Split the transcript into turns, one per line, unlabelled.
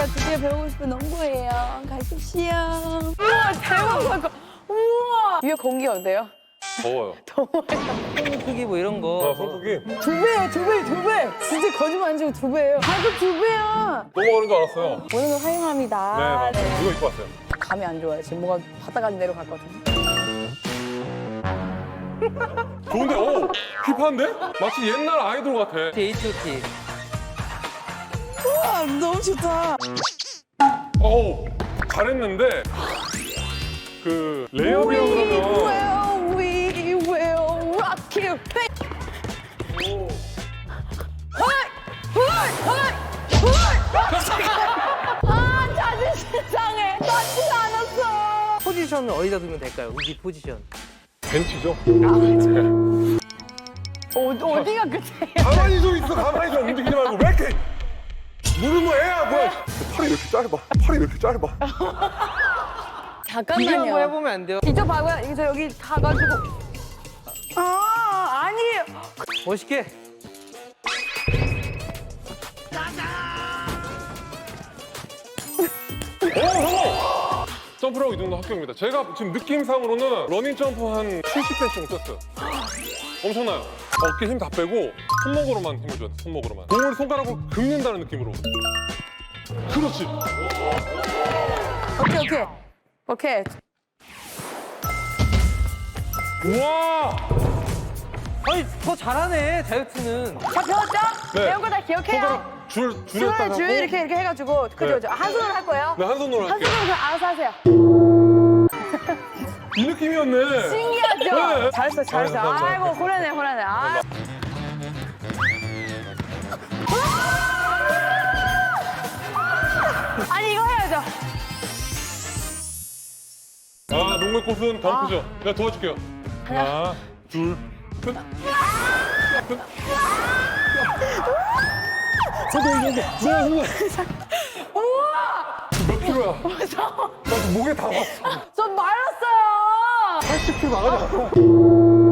제가 드디어 배우고 싶은 농구예요. 가십시오. 우와, 대박. 우와. 위에 공기 어때요?
더워요.
더워요.
손 크기 뭐 이런 거.
손목이
두 배예요, 두 배, 두 배. 진짜 거짓말 안 치고 두 배예요. 가격 두 배야.
넘어가는 줄 알았어요.
오늘은 환영합니다.
네, 맞아요. 이거 입고 왔어요.
감이 안 좋아요. 지금 뭐가 바닥까지 내려갔거든요.
좋은데? 오! 힙한데? 마치 옛날 아이돌 같아.
H.O.T.
우와, 너무 좋다.
어우, 잘했는데 그 레이업이라고 그러면
We will rock you. 아, 자존심 상해. 맞지도 않았어.
포지션을 어디다 두면 될까요? 우기 포지션.
벤치죠?
어디가 끝이에요?
가만히 좀 있어, 가만히 좀 움직이지 말고 왜 이렇게 무릎을 애야 뭐야? 팔이 이렇게 짧아, 팔이 이렇게 짧아.
비교 한번
잠깐만요.
해보면 안 돼요?
이쪽 봐봐요. 이거 저 여기 가가지고. 아, 아니에요.
멋있게.
성공! 점프라고 이 정도 합격입니다. 제가 지금 느낌상으로는 러닝 점프 한 70cm 정도 썼어요. 엄청나요. 어깨 힘 다 빼고 손목으로만 힘을 줘야 돼, 손목으로만. 공을 손가락으로 긁는다는 느낌으로. 그렇지.
오케이. 오케이.
우와!
아니, 더 잘하네, 다이어트는.
자, 배웠죠?
네.
배운 거 다 기억해요.
손가락 줄에 딱 하고.
줄 이렇게 해가지고. 그죠, 그죠. 한 손으로 할 거예요.
네, 한 손으로
한
할게요.
손으로 그냥 알아서 하세요.
이 느낌이었네.
신기하죠?
네.
잘했어.
감사합니다.
아이고, 호라네. 아. 아니, 이거 해야죠.
아, 농구의 꽃은 덩크죠. 내가 도와줄게요. 하나, 둘, 셋.
우와!
몇 킬로야? 나 지금 목에 다 왔어.
전 말랐어요.
80킬로 나가지 않아.